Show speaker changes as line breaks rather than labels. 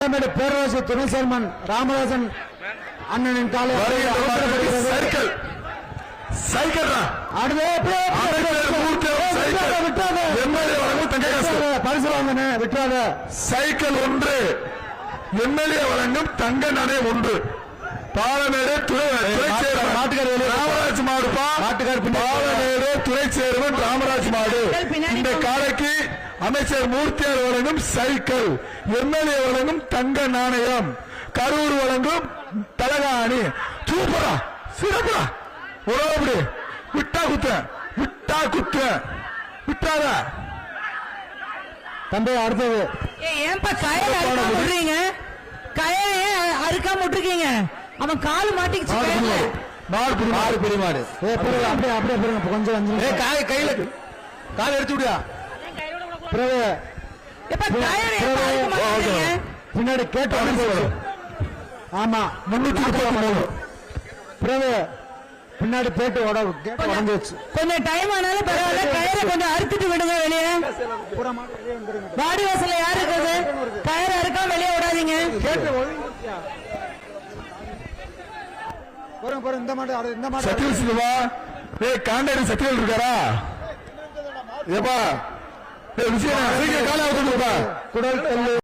பேரரசு துணை சேர்மன் ராமதாசன் அண்ணனின் காலை பரிசு வாங்க விட்டாத
சைக்கிள் ஒன்று எம்எல்ஏ வழங்கும் தங்க நடை ஒன்று பாலமேடு ராமராஜ் மாடுப்பா பாலமேடு துணை சேர்மன் ராமராஜ் மாடு. இந்த காலைக்கு அமைச்சர் மூர்த்தியார் வழங்கும் சைக்கிள், எம்எல்ஏ வழங்கும் தங்க நாணயம், கரூர் வழங்கும் தலகாணி. சூப்பரா சிறப்புடா உறவு விட்டா குத்த விட்டா குத்த விட்டாத
தம்பி. அடுத்தது
ஏன்பா கயல் அறுக்காம விட்டுறீங்க? கயல் அறுக்காம விட்டுருக்கீங்க? அவன் கால் மாட்டிக்கிச்சு.
மாடு பெரிய மாடு
அப்படியே அப்படியே கொஞ்சம்
கையில கால் எடுத்து விடுயா.
பின்னாடி கேட்டு ஆமா 330 பின்னாடி பேட்டு உடஞ்சிச்சு.
கொஞ்சம் டைம் ஆனாலும் பரவாயில்ல, கயிறை கொஞ்சம் அறுத்துட்டு விடுங்க வெளியே. வாடி வாசல்ல யாரு இருக்குது? கயிறு அறுக்கா வெளியே விடாதீங்க.
இந்த மாடு இந்த மாடு
காண்டாடி சத்தியல் இருக்காரா? ஏப்பா விஷயம் கால குடல்